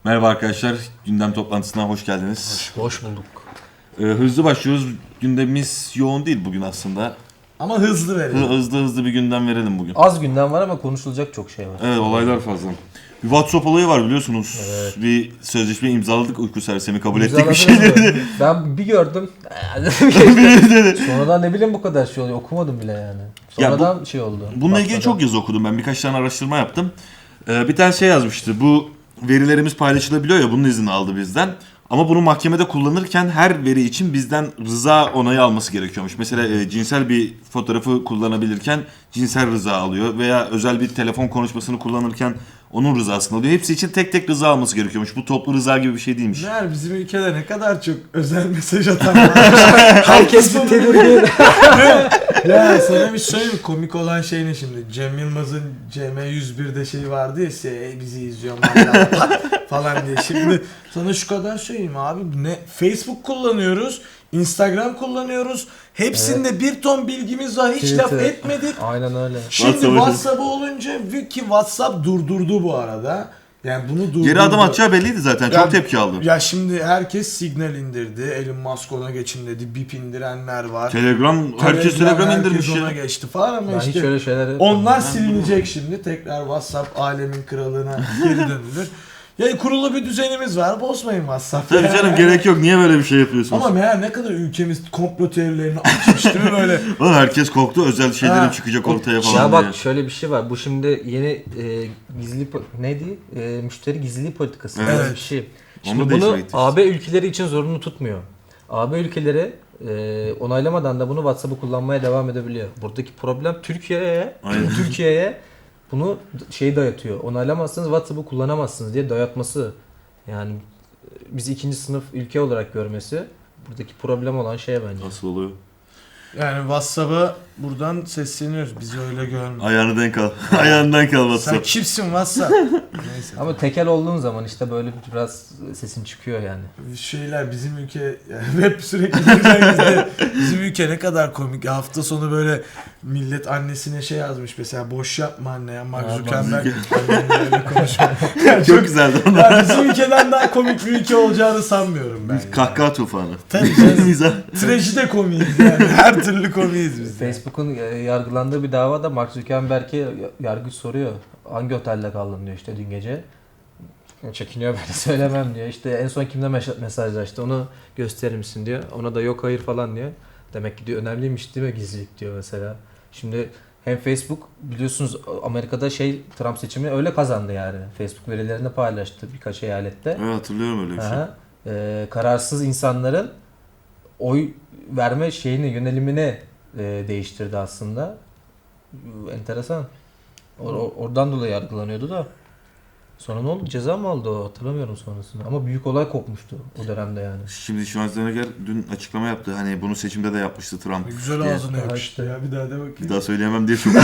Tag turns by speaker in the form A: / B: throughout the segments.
A: Merhaba arkadaşlar, gündem toplantısına hoş geldiniz.
B: Hoş bulduk.
A: Hızlı başlıyoruz. Gündemimiz yoğun değil bugün aslında.
C: Ama hızlı verelim.
A: Hızlı bir gündem verelim bugün.
B: Az gündem var ama konuşulacak çok şey var.
A: Evet, olaylar fazla. Bir WhatsApp olayı var biliyorsunuz.
B: Evet.
A: Bir sözleşme imzaladık, uyku sersemi kabul ettik bir
B: İmzaladınız
A: şeyleri.
B: mı? Ben bir gördüm. Sonradan ne bileyim bu kadar şey oluyor. Okumadım bile yani. Sonradan şey oldu.
A: Bununla ilgili çok yazı okudum ben. Birkaç tane araştırma yaptım. Bir tane şey yazmıştı. Bu verilerimiz paylaşılabiliyor ya, bunun izni aldı bizden. Ama bunu mahkemede kullanırken her veri için bizden rıza onayı alması gerekiyormuş. Mesela cinsel bir fotoğrafı kullanabilirken cinsel rıza alıyor. Veya özel bir telefon konuşmasını kullanırken onun rızasını alıyor. Hepsi için tek tek rıza alması gerekiyormuş. Bu toplu rıza gibi bir şey değilmiş.
C: Meğer bizim ülkede ne kadar çok özel mesaj atan var.
B: Herkes bir tedirgin.
C: Ya sana bir söyleyeyim mi? Komik olan şey ne şimdi? Cem Yılmaz'ın CM101'de şey vardı ya, bizi izliyor falan diye. Şimdi sana şu kadar söyleyeyim abi, ne Facebook kullanıyoruz, Instagram kullanıyoruz. Hepsinde bir ton bilgimiz var, hiç laf
B: Twitter.
C: etmedik.
B: Aynen öyle.
C: Şimdi
A: WhatsApp'ı-
C: WhatsApp'ı olunca ki WhatsApp durdurdu bu arada. Yani bunu durdurdu.
A: Geri adım atacağı belliydi zaten. Çok
C: Ya-
A: tepki aldı.
C: Ya şimdi herkes Signal indirdi. Elon Musk ona geçin dedi. Bip indirenler var.
A: Herkes Telegram
C: herkes
A: indirmiş
C: ona
A: ya.
C: geçti falan ama
B: Ben hiç
C: işte
B: öyle şeyler
C: onlar silinecek şimdi. Tekrar WhatsApp alemin kralına geri dönülür. Ya kurulu bir düzenimiz var. Bozmayın WhatsApp'ı.
A: Tabii canım, gerek yok. Niye böyle bir şey yapıyorsunuz?
C: Ama meğer ne kadar ülkemiz komplo teorilerini açmış değil mi böyle?
A: Oğlum herkes korktu, özel şeylerim
C: Ha.
A: çıkacak ortaya falan
B: Ya
A: diye.
B: bak şöyle bir şey var. Bu şimdi yeni gizli neydi? Müşteri gizliliği politikası.
A: Evet.
B: Böyle bir şey.
A: Onu
B: Şimdi
A: da
B: bunu
A: değiştirecek.
B: AB ülkeleri için zorunlu tutmuyor. AB ülkeleri onaylamadan da bunu WhatsApp'ı kullanmaya devam edebiliyor. Buradaki problem
A: Aynen.
B: Türkiye'ye bunu şey dayatıyor. Onaylamazsanız WhatsApp'ı kullanamazsınız diye dayatması. Yani bizi ikinci sınıf ülke olarak görmesi buradaki problem olan şey bence.
A: Nasıl oluyor?
C: Yani WhatsApp'a buradan sesleniyoruz. Bizi öyle görme.
A: Ayağını denk al. Ayağını denk al
C: Sen
A: WhatsApp.
C: kimsin WhatsApp? Neyse.
B: Ama tekel olduğun zaman işte böyle biraz sesin çıkıyor yani.
C: Şeyler bizim ülke yani hep sürekli diyeceğiz de bizim ülke ne kadar komik. Hafta sonu böyle millet annesine şey yazmış mesela, boş yapma anne ya, Mark
B: Ha,
C: Zuckerberg annenle öyle konuşma. Yani
A: Çok güzeldi onlar.
C: yani bizim ülkeden daha komik bir ülke olacağını sanmıyorum ben. Yani.
A: Kahkaha tufanı.
C: Tabii canım.
A: Mizah.
C: Trajide komiyiz yani. Her türlü komiyiz biz. Yani.
B: Facebook'un yargılandığı bir davada Mark Zuckerberg'e yargıç soruyor. Hangi otelde kaldın diyor işte dün gece. Çekiniyor, böyle söylemem diyor. İşte en son kimle mesajlaştı onu gösterir misin diyor. Ona da yok hayır falan diyor. Demek ki diyor önemliymiş değil mi gizlilik diyor mesela. Şimdi hem Facebook biliyorsunuz Amerika'da Trump seçimi öyle kazandı yani. Facebook verilerini paylaştı birkaç eyalette.
A: Evet, hatırlıyorum öyle bir şey.
B: Aha. Kararsız insanların oy verme yönelimini değiştirdi aslında. Enteresan. Oradan dolayı yargılanıyordu da. Sonra ne oldu? Ceza mı aldı o? Hatırlamıyorum sonrasında. Ama büyük olay kopmuştu o dönemde yani.
A: Şimdi Schwarzenegger dün açıklama yaptı. Hani bunu seçimde de yapmıştı Trump.
C: Güzel
A: diye.
C: ağzına yapıştı
B: işte.
C: ya, bir daha de bakayım.
A: Bir daha söyleyemem diye çok
C: Bir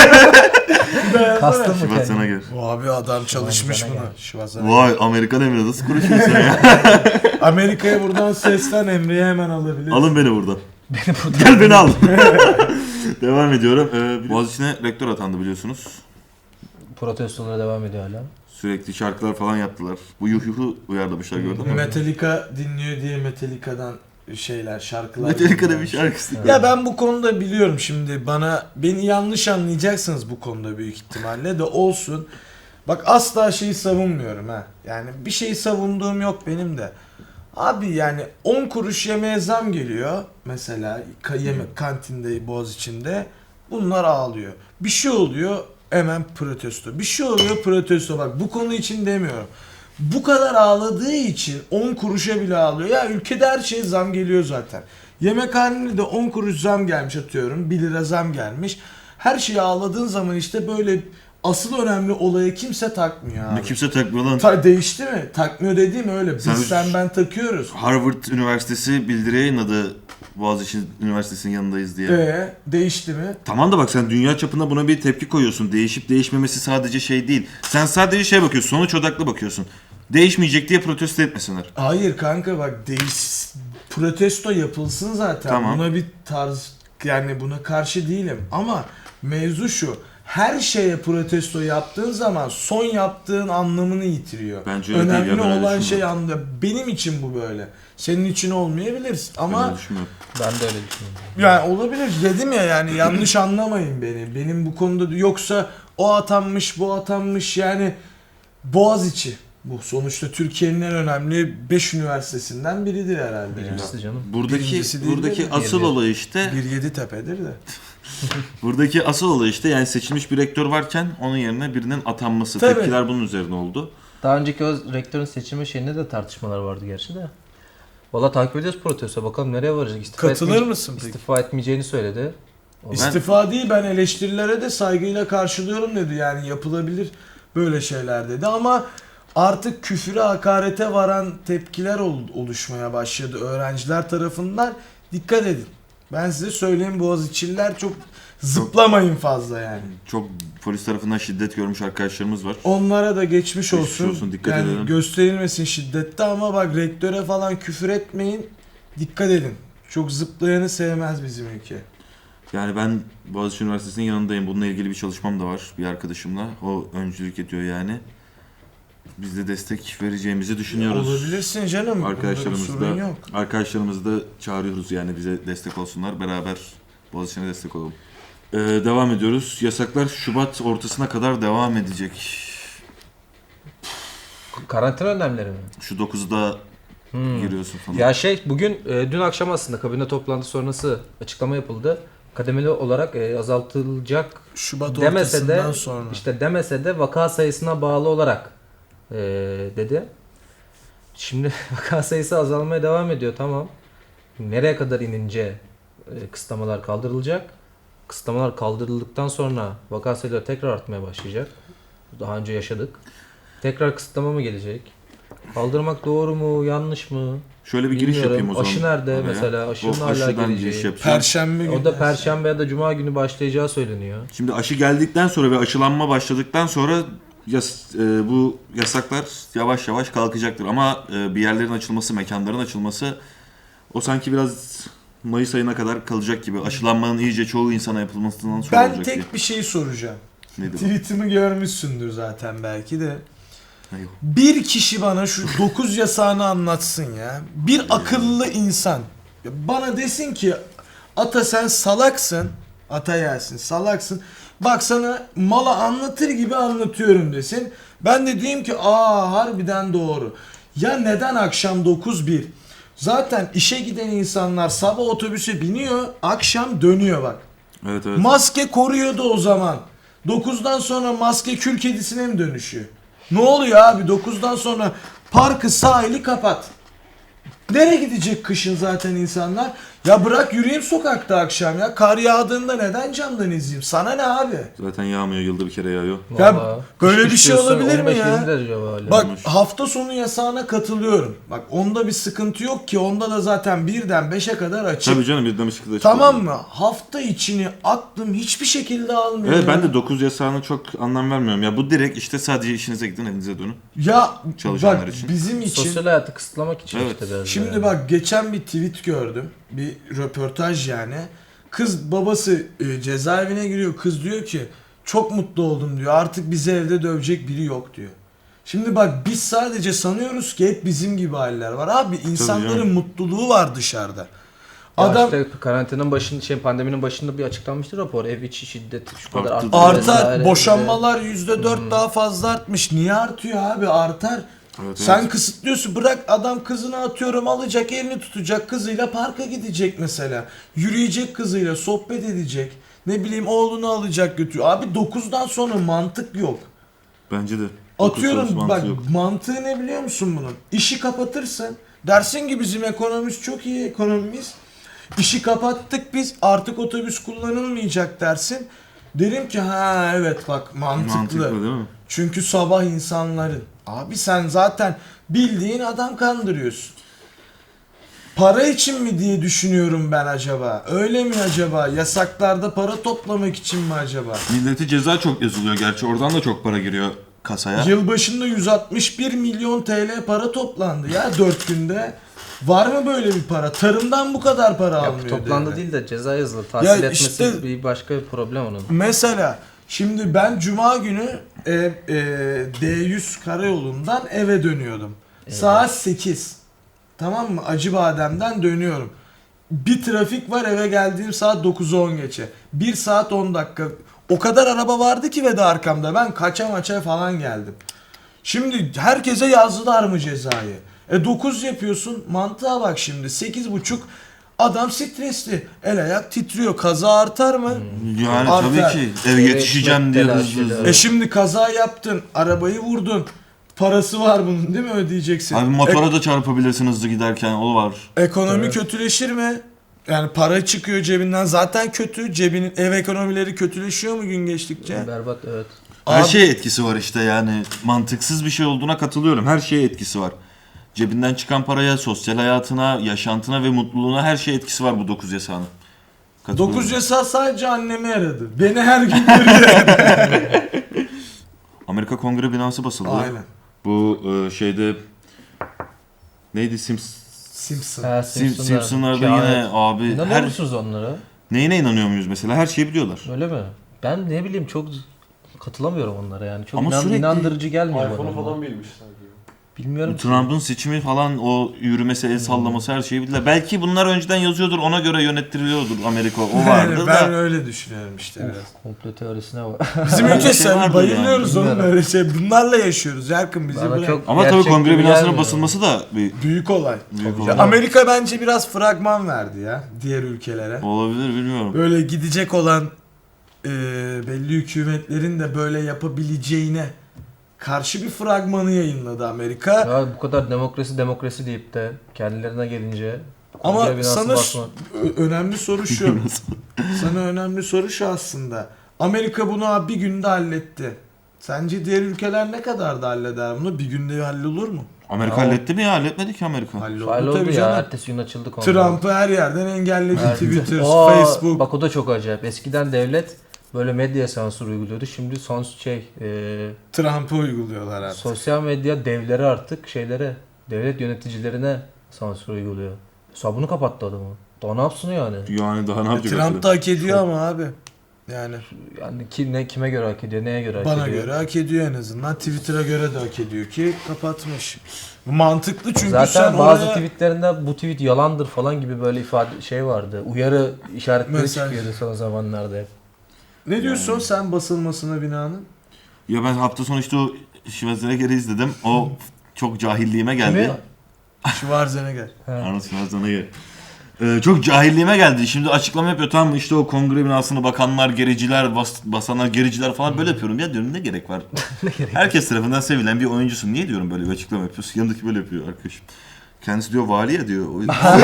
C: daha yapsana.
B: Kastım mı kendini?
A: Schwarzenegger.
C: O abi adam çalışmış
B: Schwarzenegger.
C: buna. Schwarzenegger.
A: Vay, Amerikan Emre nasıl konuşuyorsun ya?
C: Amerika'ya buradan seslen, Emre'yi hemen alabiliriz.
A: Alın beni buradan.
B: Beni burada
A: Gel beni al. Devam ediyorum. Boğaziçi'ne rektör atandı biliyorsunuz.
B: protestolara devam ediyor hala.
A: Sürekli şarkılar falan yaptılar. Bu yuhu uyarlamışlar, gördün mü?
C: Metallica dinliyor diye Metallica'dan şarkılar.
A: Metallica'da bir şarkısı.
C: Ya ben bu konuda biliyorum şimdi, beni yanlış anlayacaksınız bu konuda büyük ihtimalle de olsun. Bak asla şeyi savunmuyorum ha. Yani bir şeyi savunduğum yok benim de. Abi yani 10 kuruş yemeğe zam geliyor mesela yemek kantinde Boğaziçi'nde, bunlar ağlıyor. Bir şey oluyor hemen protesto. Bir şey oluyor protesto. Bak bu konu için demiyorum. Bu kadar ağladığı için 10 kuruşa bile ağlıyor. Ya ülkede her şeye zam geliyor zaten. Yemekhanede de 10 kuruş zam gelmiş atıyorum. 1 lira zam gelmiş. Her şeye ağladığın zaman işte böyle asıl önemli olaya kimse takmıyor abi.
A: Kimse takmıyor lan.
C: Değişti mi? Takmıyor dediğim öyle. Biz
A: Sen-
C: ben takıyoruz.
A: Harvard Üniversitesi bildiri yayınladı, Boğaziçi Üniversitesi'nin yanındayız diye.
C: Değişti mi?
A: Tamam da bak, sen dünya çapında buna bir tepki koyuyorsun. Değişip değişmemesi sadece şey değil. Sen sadece bakıyorsun, sonuç odaklı bakıyorsun. Değişmeyecek diye protesto etmesinler.
C: Hayır kanka bak, protesto yapılsın zaten.
A: Tamam.
C: Buna bir tarz, yani buna karşı değilim ama mevzu şu. her şeye protesto yaptığın zaman son yaptığın anlamını yitiriyor.
A: Bence öyle değil ya,
C: Önemli
A: ben öyle
C: olan şey
A: düşünmüyorum.
C: anlamda. Benim için bu böyle. Senin için olmayabilir
A: Ben
C: ama
A: öyle düşünmüyorum.
B: Ben de öyle düşünüyorum.
C: yani olabilir dedim ya, yani yanlış anlamayın beni. Benim bu konuda yoksa o atanmış bu atanmış, yani Boğaziçi bu sonuçta Türkiye'nin en önemli 5 üniversitesinden biridir herhalde.
B: Birincisi canım.
C: Birincisi değil
A: Buradaki
C: mi?
A: asıl
B: Biri.
A: olay işte
C: Bir Yeditepe'dir de.
A: buradaki asıl olay işte yani seçilmiş bir rektör varken onun yerine birinin atanması.
C: Tabii.
A: Tepkiler bunun üzerine oldu.
B: Daha önceki o rektörün seçilme şeyinde de tartışmalar vardı gerçi de. Valla takip ediyoruz protesto. Bakalım nereye varacak.
C: Katılır mısın peki?
B: İstifa etmeyeceğini söyledi. O-
C: İstifa değil, ben eleştirilere de saygıyla karşılıyorum dedi. Yani yapılabilir böyle şeyler dedi ama artık küfüre, hakarete varan tepkiler oluşmaya başladı öğrenciler tarafından. Dikkat edin. Ben size söyleyeyim, Boğaziçi'liler çok zıplamayın fazla yani.
A: Çok polis tarafından şiddet görmüş arkadaşlarımız var.
C: Onlara da geçmiş
A: Geçmiş
C: olsun.
A: olsun, dikkat
C: Yani
A: edelim.
C: gösterilmesin şiddette ama bak rektöre falan küfür etmeyin. Dikkat edin. Çok zıplayanı sevmez bizim ülke.
A: Yani ben Boğaziçi Üniversitesi'nin yanındayım. Bununla ilgili bir çalışmam da var bir arkadaşımla. O öncülük ediyor yani. Biz de destek vereceğimizi düşünüyoruz.
C: Olabilirsin canım. Bunda bir
A: Arkadaşlarımız
C: sorun
A: da,
C: yok.
A: arkadaşlarımızı da çağırıyoruz yani bize destek olsunlar. Beraber Boğaziçi'ne destek olalım. Devam ediyoruz. Yasaklar Şubat ortasına kadar devam edecek.
B: Karantina önlemleri mi?
A: Şu 9'da giriyorsun falan.
B: Ya bugün dün akşam aslında kabine toplantısı sonrası açıklama yapıldı. Kademeli olarak azaltılacak
C: Şubat
B: demese
C: ortasından
B: de
C: sonra.
B: işte demese de vaka sayısına bağlı olarak dedi. Şimdi vaka sayısı azalmaya devam ediyor, tamam. Nereye kadar inince kısıtlamalar kaldırılacak? Kısıtlamalar kaldırıldıktan sonra vaka sayıları tekrar artmaya başlayacak. Daha önce yaşadık. Tekrar kısıtlama mı gelecek? Kaldırmak doğru mu, yanlış mı?
A: Şöyle bir giriş
B: Bilmiyorum.
A: yapayım o zaman.
B: Aşı nerede
A: oraya.
B: mesela? Aşının
A: O
B: hala
A: aşıdan
B: geleceği.
A: giriş yapacağım.
C: Perşembe günü.
B: O da Perşembe ya da Cuma günü başlayacağı söyleniyor.
A: Şimdi aşı geldikten sonra ve aşılanma başladıktan sonra bu yasaklar yavaş yavaş kalkacaktır. Ama bir yerlerin açılması, mekanların açılması o sanki biraz Mayıs ayına kadar kalacak gibi. Aşılanmanın iyice çoğu insana yapılmasından sonra
C: Ben
A: olacak
C: tek
A: diye.
C: bir şey soracağım.
A: Nedir o?
C: Tweetimi görmüşsündür zaten belki de.
A: Hayır.
C: Bir kişi bana şu 9 yasağını anlatsın ya. Bir akıllı insan. Ya bana desin ki ata sen salaksın. Ata yersin salaksın. Bak sana mala anlatır gibi anlatıyorum desin. Ben de diyeyim ki harbiden doğru. Ya neden akşam 9-1? Zaten işe giden insanlar sabah otobüse biniyor, akşam dönüyor bak.
A: Evet evet.
C: Maske koruyordu o zaman. 9'dan sonra maske kül kedisine mi dönüşüyor? Ne oluyor abi? 9'dan sonra parkı, sahili kapat. Nereye gidecek kışın zaten insanlar? Ya bırak yürüyeyim sokakta akşam ya. Kar yağdığında neden camdan izleyeyim? Sana ne abi?
A: Zaten yağmıyor, yılda bir kere yağıyor.
C: Ya
B: Vallahi.
C: böyle
B: Kış
C: bir şey
B: diyorsun,
C: olabilir mi
B: 15-20
C: ya?
B: derece hala.
C: Bak
A: Olmuş.
C: hafta sonu yasağına katılıyorum. Bak onda bir sıkıntı yok ki. Onda da zaten 1'den 5'e kadar açık.
A: Tabii canım, birden bir şekilde
C: Tamam mı? Hafta içini aklım hiçbir şekilde almıyor.
A: Evet,
C: ya.
A: ben de 9 yasağına çok anlam vermiyorum. Ya bu direkt işte sadece işinize gidin, evinize dönün.
C: Ya
A: Çalışanlar
C: bak
A: için.
C: bizim için
B: Sosyal hayatı kısıtlamak için
A: Evet.
B: işte biraz.
C: şimdi
B: da.
C: bak geçen bir tweet gördüm. Bir röportaj yani. Kız babası cezaevine giriyor. Kız diyor ki çok mutlu oldum diyor. Artık bizi evde dövecek biri yok diyor. Şimdi bak biz sadece sanıyoruz ki hep bizim gibi haller var. Abi insanların
A: canım.
C: mutluluğu var dışarıda.
B: Ya
C: Adam
B: işte karantinanın başında pandeminin başında bir açıklanmıştı rapor. Ev içi şiddet şu kadar
A: Arttı.
B: arttı.
C: artar,
B: vesaire.
C: boşanmalar %4 daha fazla artmış. Niye artıyor abi? Artar.
A: Evet,
C: Sen
A: evet.
C: kısıtlıyorsun. Bırak adam kızını atıyorum alacak, elini tutacak, kızıyla parka gidecek mesela. Yürüyecek kızıyla, sohbet edecek. Ne bileyim oğlunu alacak götürüyor. Abi 9'dan sonra mantık yok.
A: Bence de. Dokuz
C: Atıyorum
A: sorusu
C: bak
A: mantığı yok.
C: mantığı ne biliyor musun bunun? İşi kapatırsın. Dersin ki bizim ekonomimiz çok iyi ekonomimiz. İşi kapattık biz, artık otobüs kullanılmayacak dersin. Derim ki ha evet bak
A: Mantıklı değil mi?
C: çünkü sabah insanların. Abi sen zaten bildiğin adam kandırıyorsun. Para için mi diye düşünüyorum ben acaba? Öyle mi acaba? Yasaklarda para toplamak için mi acaba?
A: Millete ceza çok yazılıyor gerçi. Oradan da çok para giriyor kasaya.
C: Yılbaşında 161 milyon TL para toplandı ya 4 günde. Var mı böyle bir para? Tarımdan bu kadar para
B: Ya
C: almıyor.
B: toplandı
C: devlet.
B: değil de ceza yazılı. Tahsil
C: Ya
B: etmesi
C: işte-
B: bir başka bir problem onun.
C: Mesela Şimdi ben Cuma günü D100 karayolundan eve dönüyordum.
B: Evet.
C: Saat 8. Tamam mı? Acıbadem'den dönüyorum. Bir trafik var, eve geldiğim saat 9'u 10 geçe. 1 saat 10 dakika. O kadar araba vardı ki ve de arkamda. Ben kaça maça falan geldim. Şimdi herkese yazdılar mı cezayı? 9 yapıyorsun. Mantığa bak şimdi. 8.5 adam stresli. El ayak titriyor. Kaza artar mı?
A: Yani
C: Artar.
A: tabii ki eve yetişeceğim diye hızlı
B: telaşıyla.
A: hızlı.
C: Şimdi kaza yaptın. Arabayı vurdun. Parası var bunun değil mi, ödeyeceksin?
A: Abi motora da çarpabilirsin hızlı giderken, o var.
C: Ekonomi
B: Evet.
C: kötüleşir mi? Yani para çıkıyor cebinden, zaten kötü. Cebinin ev ekonomileri kötüleşiyor mu gün geçtikçe?
B: Berbat, evet.
A: Her
C: Abi-
A: şeye etkisi var işte, yani mantıksız bir şey olduğuna katılıyorum. Her şeye etkisi var. Cebinden çıkan paraya, sosyal hayatına, yaşantına ve mutluluğuna, her şeye etkisi var bu 9 yasağının. Katılıyorum.
C: 9 yasa sadece annemi aradı. Beni her gün görüyor.
A: Amerika Kongre binası basıldı.
C: Aynen.
A: Bu şeyde neydi,
C: Simpson.
B: Ha,
A: Simpsonlarda
B: Şahane.
A: yine abi
B: İnanıyor musunuz onlara?
A: neyine inanıyor muyuz mesela? Her şeyi biliyorlar.
B: Öyle mi? Ben ne bileyim, çok katılamıyorum onlara yani. Çok
A: Ama sürekli
B: inandırıcı gelmiyor bana.
D: iPhone'u
B: onlar.
D: falan bilmiş sanki.
B: Bilmiyorum ki.
A: Trump'ın seçimi falan, o yürümesi, el sallaması, her şeyi bildiler. Belki bunlar önceden yazıyordur, ona göre yönettiriliyordur Amerika. O vardı
C: Yani
A: da.
C: ben öyle düşünüyorum işte biraz.
B: Komplo teorisine var.
C: Bizim
A: Öyle
C: ülke
A: bir şey
C: sen
A: vardır
C: bayılıyoruz
B: yani.
C: oğlum böyle şey. Bunlarla yaşıyoruz. Yakın bizi
B: Bana
C: bırak.
B: çok
A: Ama tabii
B: gerçek
A: kongre
B: gibi
A: binasının
B: gelmiyor.
A: basılması da bir
C: Büyük olay.
A: büyük
B: Tabii
A: olay.
B: canım.
C: Amerika bence biraz fragman verdi ya diğer ülkelere.
A: Olabilir, bilmiyorum.
C: Böyle gidecek olan belli hükümetlerin de böyle yapabileceğine karşı bir fragmanı yayınladı Amerika.
B: Ya bu kadar demokrasi deyip de kendilerine gelince
C: Ama
B: kongre binası
C: sana
B: basma.
C: önemli soru şu. Sana önemli soru şu aslında. Amerika bunu abi bir günde halletti. Sence diğer ülkeler ne kadar da halleder bunu? Bir günde hallolur mu?
A: Amerika
B: Ya o-
A: halletti mi ya? Halletmedi ki Amerika.
C: Halloldu
B: Faal oldu
C: tabii
B: ya,
C: canım.
B: ertesi gün açıldı kongre.
C: Trump'ı her yerden engelledi.
B: Evet.
C: Twitter,
B: Aa,
C: Facebook.
B: Bak o da çok acayip. Eskiden devlet böyle medya sansür uyguluyordu. Şimdi
C: Trump'ı uyguluyorlar artık.
B: sosyal medya devleri artık devlet yöneticilerine sansür uyguluyor. Hesabını kapattı adamı. Daha ne yapsın yani?
A: Yani daha ne yapacak?
C: Trump da hak ediyor ama abi. Yani
B: Yani kime göre hak ediyor, neye göre hak
C: bana
B: ediyor?
C: göre hak ediyor en azından. Twitter'a göre de hak ediyor ki kapatmış. Mantıklı çünkü
B: Zaten
C: sen
B: bazı
C: oraya
B: tweetlerinde bu tweet yalandır falan gibi böyle ifade vardı. Uyarı işaretleri
C: Mesaj.
B: çıkıyordu son zamanlarda hep.
C: ne diyorsun sen basılmasına binanın?
A: Ya ben hafta sonu işte o Schwarzenegger'i izledim. O çok cahilliğime geldi.
B: Kimi?
C: Schwarzenegger.
A: Arnold Schwarzenegger. Çok cahilliğime geldi. Şimdi açıklama yapıyor, tamam mı? İşte o kongre binasını bakanlar, gericiler, basanlar, gericiler falan böyle yapıyorum. Ya diyorum, ne gerek var? Herkes tarafından sevilen bir oyuncusun. Niye diyorum böyle bir açıklama yapıyorsun? Yanındaki böyle yapıyor arkadaşım. Kendisi diyor vali ya diyor.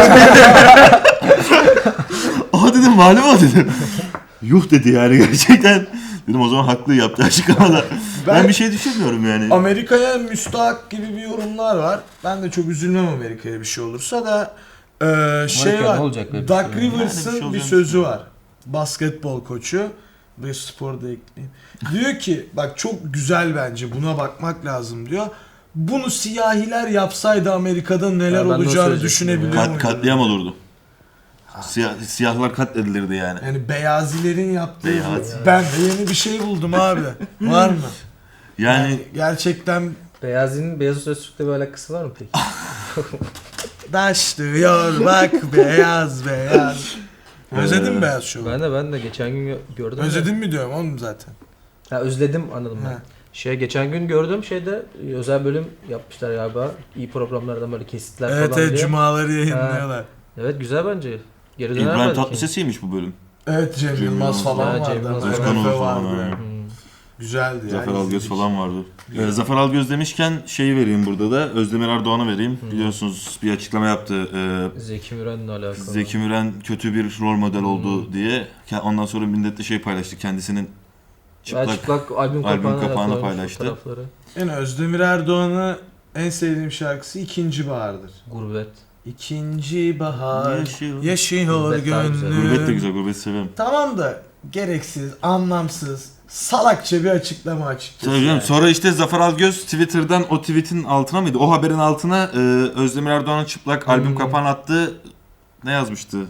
A: Aa dedim, vali mi o dedim. Yuh dedi yani gerçekten. Dedim o zaman haklı yaptığı açıklamada. Ben bir şey düşünmüyorum yani.
C: Amerika'ya müstahak gibi bir yorumlar var. Ben de çok üzülmem Amerika'ya bir şey olursa da şey
B: Amerika
C: var.
B: ne olacak be?
C: Doug
A: Yani bir şey
C: Rivers'ın bir
A: olacağını
C: sözü var. Basketbol koçu. Ve sporda ekleyeyim. Diyor ki bak çok güzel, bence buna bakmak lazım diyor. Bunu siyahiler yapsaydı Amerika'da neler
B: Ya ben de o
C: olacağını
B: söyleyecektim
C: düşünebiliyor
B: ya.
C: muydun?
A: Katliam olurdu. Siyahlar katledilirdi yani.
C: Yani beyazilerin yaptığı
A: Beyaz.
C: bu. Ben de yeni bir şey buldum abi. Var mı?
A: Yani
C: Gerçekten
B: Beyaz Öztürk'le bir alakası var mı peki?
C: başlıyor bak beyaz beyaz. Özledin mi beyaz şovu?
B: Ben de geçen gün gördüm.
C: Özledin mi diyorum oğlum zaten.
B: Ha, özledim, anladım ben.
C: Ha.
B: Geçen gün gördüm özel bölüm yapmışlar galiba. İyi programlardan böyle kesitler
C: Evet
B: falan
C: evet
B: diye.
C: cumaları yayınlıyorlar.
B: Evet, güzel bence. Geri döner
A: İbrahim
B: belki.
A: Tatlıses'iymiş bu bölüm.
C: Evet Cem
A: Cem
C: Yılmaz
A: Yılmaz
C: falan
B: ya, Cem
C: vardı.
B: Yılmaz
C: Özkan
A: falan.
C: Efe vardı.
A: Falan,
B: Hmm.
C: Güzeldi ya.
A: Zafer Algöz
C: izledik.
A: falan vardı. Zafer Algöz demişken şeyi vereyim burada da. Özdemir Erdoğan'ı vereyim. Biliyorsunuz bir açıklama yaptı.
B: Zeki Müren'le alakalı.
A: Zeki Müren kötü bir rol model oldu diye. Ondan sonra milletle şey paylaştı. Kendisinin
B: Çıplak albüm kapağını
A: kapağını
B: koymuş
A: paylaştı.
B: fotoğrafları.
C: Yani Özdemir Erdoğan'ı en sevdiğim şarkısı İkinci Bahar'dır.
B: Gurbet.
C: İkinci bahar
A: Yaşıyor.
C: yaşıyor
B: Gurbet daha güzel.
C: gönlüm.
A: Gurbet de güzel. Gurbet severim.
C: Tamam da gereksiz, anlamsız, salakça bir açıklama açıkçası.
A: Tabii canım.
C: yani.
A: Sonra işte Zafer Algöz Twitter'dan o tweet'in altına mıydı? O haberin altına Özdemir Erdoğan'ın çıplak albüm kapağını attı. Ne yazmıştı?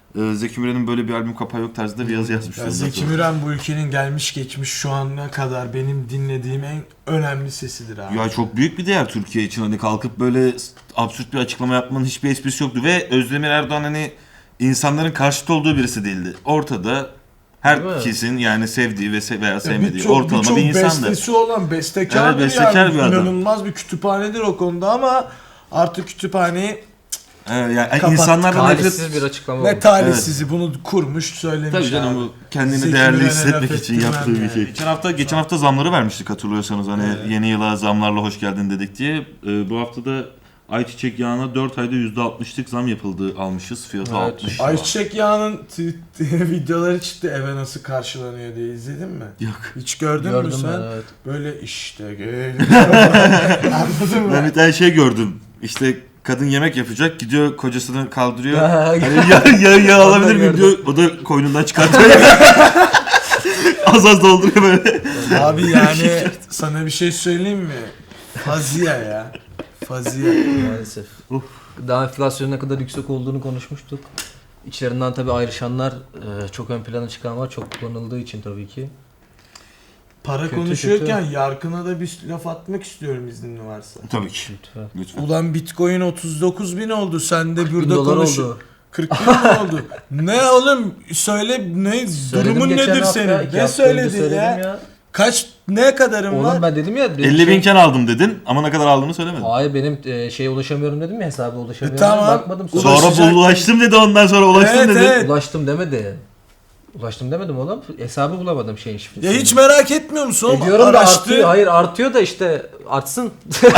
A: Zeki Müren'in böyle bir albüm kapağı yok tarzında bir yazı yazmıştı.
C: Ya Zeki Müren bu ülkenin gelmiş geçmiş şu ana kadar benim dinlediğim en önemli sesidir abi.
A: Ya çok büyük bir değer Türkiye için. Hani kalkıp böyle absürt bir açıklama yapmanın hiçbir esprisi yoktu. Ve Özdemir Erdoğan hani insanların karşıt olduğu birisi değildi. Ortada herkesin yani sevdiği veya sevmediği ortalama bir insandı.
C: Birçok bestesi olan bestekardır
A: Evet, bestekar
C: yani.
A: bir adam.
C: İnanılmaz bir kütüphanedir o konuda ama artık kütüphaneyi
A: Yani
C: Kapattık.
A: insanlardan
B: Talihsiz bir açıklama
C: ve
B: oldu.
C: talihsizi bunu kurmuş söylemiş
A: Tabii canım
C: abi.
A: bu kendini
C: Zeki
A: değerli
C: Müren'e
A: hissetmek
C: laf
A: için
C: ettirmem
A: yaptığı bir
C: yani.
A: şey. Geçen hafta zamları vermiştik hatırlıyorsanız hani
C: Evet.
A: yeni yıla zamlarla hoş geldin dedik diye. Bu hafta da ayçiçek yağına 4 ayda %60'lık zam yapıldı almışız. Fiyatı
B: Evet.
A: 60 lira.
C: Ayçiçek yağının videoları çıktı eve nasıl karşılanıyor diye izledin mi?
A: Yok.
C: Hiç gördün mü
B: Gördüm
C: sen?
B: ben, evet.
C: Böyle işte geliyor. Anladın mı?
A: Ben bir tane şey gördüm. İşte kadın yemek yapacak gidiyor kocasını kaldırıyor. Hani yağ
B: Onu da
A: alabilir miyim diyor. O da koynundan çıkartıyor. Az dolduruyor böyle.
C: Abi yani sana bir şey söyleyeyim mi? Faziye ya. Faziye.
B: Maalesef. Daha enflasyonun ne kadar yüksek olduğunu konuşmuştuk. İçlerinden tabii ayrışanlar çok ön plana çıkan var. Çok kullanıldığı için tabii ki.
C: Para
B: Kötü,
C: konuşuyorken Yarkın'a da bir laf atmak istiyorum iznin varsa.
A: Tabii ki.
B: Lütfen.
A: Lütfen.
C: Ulan Bitcoin 39.000 oldu. Sen de
B: 1000
C: burada
B: dolar
C: konuş.
B: oldu.
C: 40 bin mi oldu? Ne oğlum? Söyle ne?
B: Söyledim
C: Durumun
B: geçen
C: nedir
B: hafta,
C: senin?
B: 2
C: Ne
B: hafta önce
C: söyledin
B: söyledim
C: ya? Kaç ne kadarın
B: Oğlum
C: var?
B: ben dedim ya.
A: 50 binken aldım dedin ama ne kadar aldığını söylemedin.
B: Hayır benim şeye ulaşamıyorum dedim ya, hesaba ulaşamıyorum.
C: Tamam.
B: Bakmadım sonra.
C: Ulaşacak-
A: Sonra ulaştım dedi ondan sonra ulaştım
C: Evet,
A: dedi.
C: evet.
B: Ulaştım demedi. Ulaştım demedim oğlum. Hesabı bulamadım şeyin şifresini.
C: Ya hiç merak etmiyor musun oğlum?
B: Ediyorum da
C: Araştır.
B: artıyor. Hayır artıyor da işte artsın.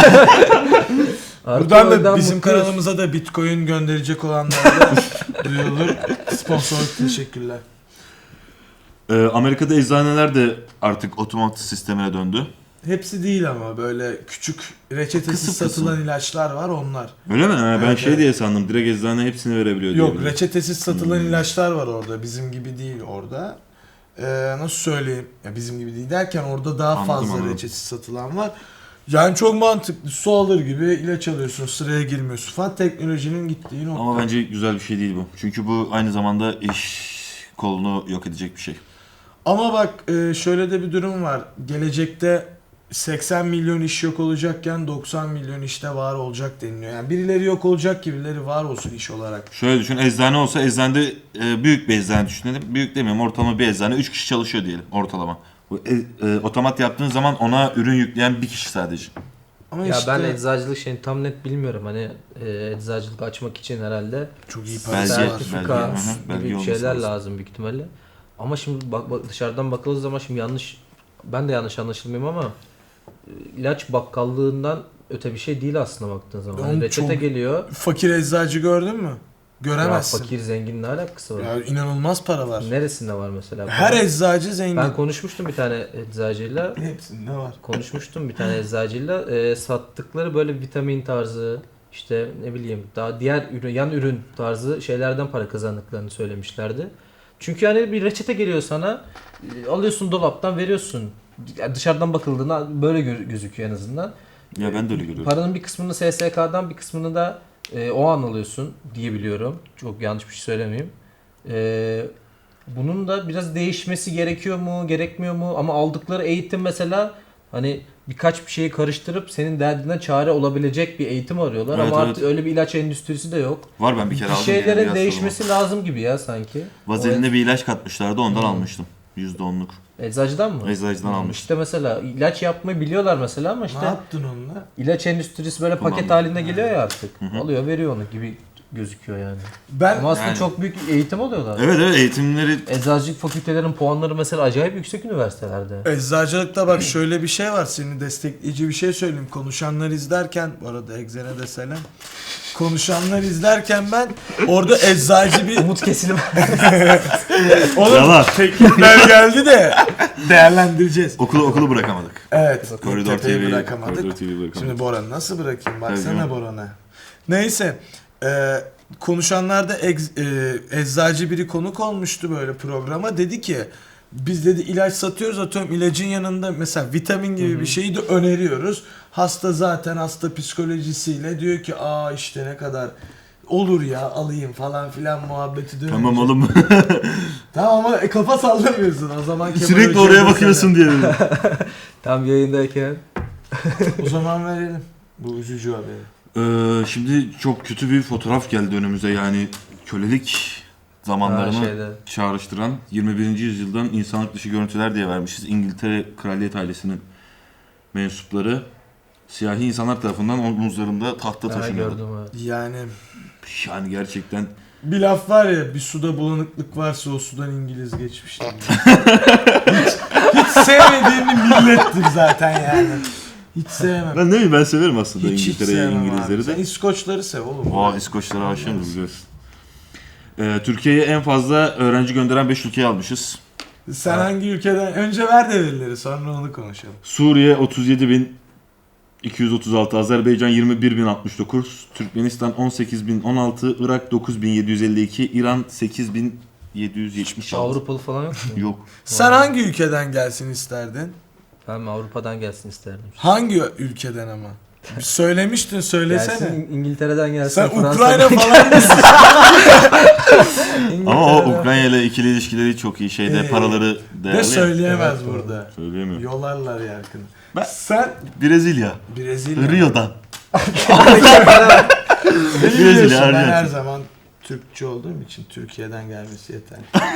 C: Buradan da
B: Oradan
C: bizim
B: mutluyuz.
C: kanalımıza da Bitcoin gönderecek olanlara da duyurulur. Sponsorluk teşekkürler.
A: Amerika'da eczaneler de artık otomatik sistemine döndü.
C: Hepsi değil ama böyle küçük reçetesiz
A: Kısım
C: satılan ilaçlar var onlar.
A: Öyle mi? Ha, ben
C: Evet,
A: şey
C: evet.
A: diye sandım. Direkt eczane hepsini verebiliyor diye.
C: Yok
A: biliyorum.
C: reçetesiz satılan ilaçlar var orada. Bizim gibi değil orada. Nasıl söyleyeyim? Ya bizim gibi değil derken orada daha
A: Anladım,
C: fazla
A: anladım.
C: reçetesiz satılan var. Yani çok mantıklı. Su alır gibi ilaç alıyorsun, sıraya girmiyorsun falan. Teknolojinin gittiği nokta.
A: Ama bence güzel bir şey değil bu. Çünkü bu aynı zamanda iş kolunu yok edecek bir şey.
C: Ama bak şöyle de bir durum var. Gelecekte 80 milyon iş yok olacakken 90 milyon işte var olacak deniliyor. Yani birileri yok olacak ki birileri var olsun iş olarak.
A: Şöyle düşün, eczane olsa eczanede büyük bir eczane düşünelim. Büyük demiyorum, ortalama bir eczane 3 kişi çalışıyor diyelim ortalama. Bu otomat yaptığın zaman ona ürün yükleyen bir kişi sadece.
C: Ama
B: Ya
C: işte
B: ben eczacılık şeyini tam net bilmiyorum. Hani eczacılık açmak için herhalde
C: çok iyi
A: Belge,
C: parası var.
B: sertifika
A: belge, hı hı, belge
B: gibi
A: olması
B: şeyler
A: lazım.
B: lazım büyük ihtimalle. Ama şimdi dışarıdan bakıldığı zaman şimdi ben de yanlış anlaşılmayayım ama ilaç bakkallığından öte bir şey değil aslında baktığın zaman.
C: Oğlum
B: Hani reçete
C: çok-
B: geliyor.
C: Fakir eczacı gördün mü?
B: Ya
C: Göremezsin.
B: fakir zengin ne alakası var?
C: Ya inanılmaz para var.
B: Neresinde var mesela?
C: Her eczacı zengin.
B: Ben konuşmuştum bir tane eczacıyla.
C: Hepsinde var.
B: Konuşmuştum bir tane eczacıyla. Sattıkları böyle vitamin tarzı işte ne bileyim daha diğer ürün, yan ürün tarzı şeylerden para kazandıklarını söylemişlerdi. Çünkü hani bir reçete geliyor sana, alıyorsun dolaptan veriyorsun. Yani dışarıdan bakıldığında böyle gözüküyor en azından.
A: Ya ben de öyle görüyorum.
B: Paranın bir kısmını SSK'dan bir kısmını da o an alıyorsun diye biliyorum. Çok yanlış bir şey söylemeyeyim. Bunun da biraz değişmesi gerekiyor mu, gerekmiyor mu? Ama aldıkları eğitim mesela hani birkaç bir şeyi karıştırıp senin derdine çare olabilecek bir eğitim arıyorlar.
A: Evet,
B: ama
A: evet.
B: artık öyle bir ilaç endüstrisi de yok.
A: Var ben bir kere
B: Bir
A: aldım.
B: şeylerin değişmesi lazım gibi ya sanki.
A: Vazeline bir ilaç katmışlardı ondan almıştım. %10'luk.
B: Eczacıdan mı?
A: Eczacıdan almıştım.
B: İşte mesela ilaç yapmayı biliyorlar mesela ama
C: Ne
B: işte
C: yaptın onunla?
B: ilaç endüstrisi böyle paket
A: Kullandım.
B: halinde geliyor ya artık. Alıyor veriyor onu gibi gözüküyor yani.
C: Ben
B: Ama aslında
A: Yani-
B: çok büyük eğitim alıyorlar.
A: Evet evet eğitimleri
B: Eczacılık fakültelerinin puanları mesela acayip yüksek üniversitelerde.
C: eczacılıkta bak şöyle bir şey var. Seni destekleyici bir şey söyleyeyim. Konuşanlar izlerken bu arada Egzen'e de selam. Konuşanlar izlerken ben orada eczacı bir
B: Umut kesilme.
C: Oğlum
A: Yalan.
C: teklifler geldi de değerlendireceğiz.
A: okulu bırakamadık.
C: Evet.
A: Koridor
C: tepeyi
A: TV
C: bırakamadık.
A: Koridor TV bırakamadık.
C: Şimdi Boran'ı nasıl bırakayım?
A: Tabii
C: Baksana
A: canım.
C: Boran'a. Neyse. Konuşanlarda eczacı biri konuk olmuştu böyle programa. Dedi ki biz dedi ilaç satıyoruz, atıyorum ilacın yanında mesela vitamin gibi bir şeyi de öneriyoruz. Hasta zaten hasta psikolojisiyle diyor ki aa işte ne kadar olur ya alayım falan filan muhabbeti dönüyor.
A: Tamam oğlum.
C: Tamam ama kafa sallamıyorsun o zaman. Kemal
A: Sürekli
C: Hoca'ya
A: oraya
C: da
A: bakıyorsun diye. dedim.
B: Tam yayındayken.
C: O zaman verelim bu üzücü haberi.
A: Şimdi çok kötü bir fotoğraf geldi önümüze, yani kölelik zamanlarını
B: şeyde.
A: çağrıştıran 21. yüzyıldan insanlık dışı görüntüler diye vermişiz. İngiltere kraliyet ailesinin mensupları siyahi insanlar tarafından omuzlarında tahta
B: Ha,
A: taşınıyordu.
B: gördüm evet.
C: Yani
A: Yani gerçekten
C: bir laf var ya, bir suda bulanıklık varsa o sudan İngiliz geçmiştir. hiç sevmediğim bir millettir zaten yani. Hiç sevmem.
A: ben ne bileyim, ben severim aslında
C: Hiç
A: İngiltere'yi,
C: sevmem abi.
A: İngilizleri
C: Sen
A: de.
C: İskoçları sev oğlum.
A: Aa, İskoçlara aşığımız biliyorsun. Türkiye'ye en fazla öğrenci gönderen 5 ülkeyi almışız.
C: Sen hangi ülkeden? Önce ver de verileri sonra onu konuşalım.
A: Suriye 37.236, Azerbaycan 21.069, Türkmenistan 18.016, Irak 9.752, İran 8.776.
B: Avrupalı falan yok mu?
A: Yok.
C: Sen hangi ülkeden gelsin isterdin?
B: Ben Avrupa'dan gelsin isterdim.
C: Hangi ülkeden ama? Söylemiştin, söylesene.
B: Gelsin İngiltere'den gelsin.
C: Sen
B: Fransa'dan
C: Ukrayna
B: gelsin.
C: falan mısın?
A: Ama o
B: İngiltere'den-
A: Ukrayna ile ikili ilişkileri çok iyi. Şeyde paraları değerli.
C: De söyleyemez
B: Evet,
C: burada.
A: Söyleyemiyor.
C: Yolarlar yakını.
A: Ben-
C: Sen
A: Brezilya.
C: Brezilya.
A: Rio'dan.
C: Beni
A: Brezilya,
C: biliyorsun, ben
A: Arjantin.
C: her zaman Türkçü olduğum için Türkiye'den gelmesi yeter.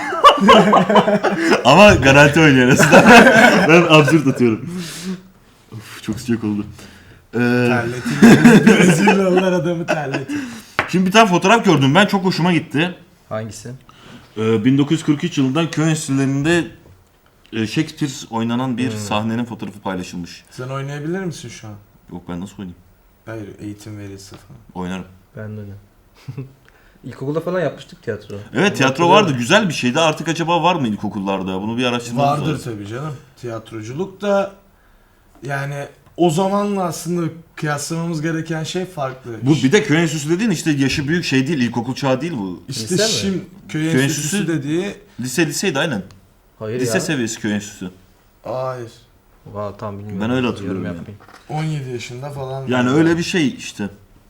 A: Ama garanti oynuyor aslında. Ben absürt atıyorum. Of, çok sıcak oldu.
C: Terletin. Brezilyalılar adamı terletin.
A: Şimdi bir tane fotoğraf gördüm ben. Çok hoşuma gitti.
B: Hangisi?
A: 1943 yılından köy enstitülerinde Shakespeare oynanan bir sahnenin fotoğrafı paylaşılmış.
C: Sen oynayabilir misin şu an?
A: Yok, ben nasıl oynayayım?
C: Hayır, eğitim verilse falan.
A: Oynarım.
B: Ben de öyle. İlkokulda falan yapmıştık tiyatro.
A: Evet,
B: Onu
A: tiyatro vardı.
B: hatırlıyorum.
A: Güzel bir şeydi. Artık acaba var mı ilkokullarda? Bunu bir araştırmamız
C: Vardır
A: lazım.
C: tabii canım. Tiyatroculuk da yani o zamanla aslında kıyaslamamız gereken şey farklı.
A: Bu bir de köy enstitüsü dediğin işte yaşı büyük şey değil. İlkokul çağı değil bu.
C: İşte
B: Lise mi?
C: şimdi köy
A: Köy
C: enstitüsü
A: enstitüsü-
C: dediği
A: Liseydi aynen.
B: Hayır
A: Lise
B: ya.
A: seviyesi köy enstitüsü.
C: hayır.
B: Valla tam bilmiyorum.
A: Ben öyle hatırlıyorum
B: Yorum
A: yani.
B: yapmayayım.
C: 17 yaşında falan.
A: Yani öyle bir şey işte.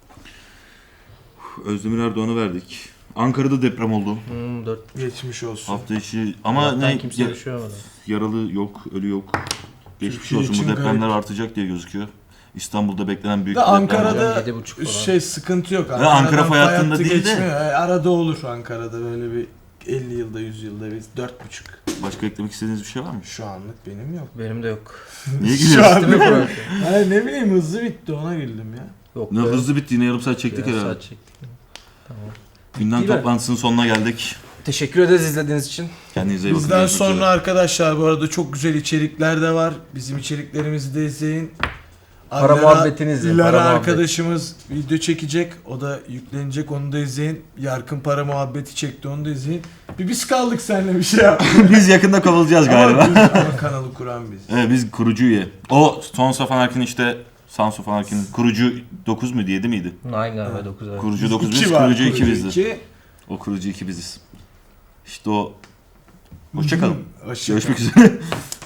A: Özdemir Erdoğan'ı verdik. Ankara'da deprem oldu.
B: 4
C: geçmiş olsun.
A: Hafta içi ama ne
B: kimse bir şey olmadı.
A: yaralı yok, ölü yok. Geçmiş
C: Türkiye
A: olsun, bu
C: için
A: depremler
C: garip.
A: artacak diye gözüküyor. İstanbul'da beklenen büyük
C: Da
A: bir deprem
C: Ankara'da
A: var.
B: 7,5 falan.
C: şey sıkıntı yok.
A: Ankara
C: Ankara'dan
A: fay hattında
C: hattı
A: değil de-
C: geçmiyor. Arada olur Ankara'da böyle bir 50 yılda 100 yılda biz 4,5.
A: Başka eklemek istediğiniz bir şey var mı?
C: Şu anlık benim yok.
B: Benim de yok.
A: Niye
C: Şu
A: gülüyorsun?
C: an-
B: Değil mi Burak?
C: Hayır ne bileyim hızlı bitti ona güldüm ya.
B: Yok.
A: Ne
B: be.
A: hızlı bitti, yine yarım saat çektik
B: Biraz
A: herhalde.
B: saat çektik. Tamam.
A: Gündem
B: Değil mi?
A: toplantısının sonuna geldik.
B: Teşekkür ederiz izlediğiniz için.
A: Kendinize iyi bakın.
C: Bizden
A: Görüşmek
C: sonra
A: üzere.
C: arkadaşlar bu arada çok güzel içerikler de var. Bizim içeriklerimizi de izleyin.
B: Para muhabbetini izleyin,
C: Lara
B: para muhabbet.
C: arkadaşımız video çekecek. O da yüklenecek. Onu da izleyin. Yarkın para muhabbeti çekti. Onu da izleyin. Biz kaldık seninle bir şey yap.
A: Biz yakında kovulacağız galiba.
C: Ama kanalı kuran biz.
A: Evet, biz kurucu üye. O Sons van Arkin işte Sons van Arkin'in kurucu 9 mu 7 miydi?
B: Aynı galiba 9 ay.
A: Kurucu 9
C: İki
A: biz,
C: var,
A: kurucu 2 bizdi.
C: iki.
A: O kurucu 2 biziz. İşte o. Hoşçakalın.
C: Hoşça kal.
A: Görüşmek üzere.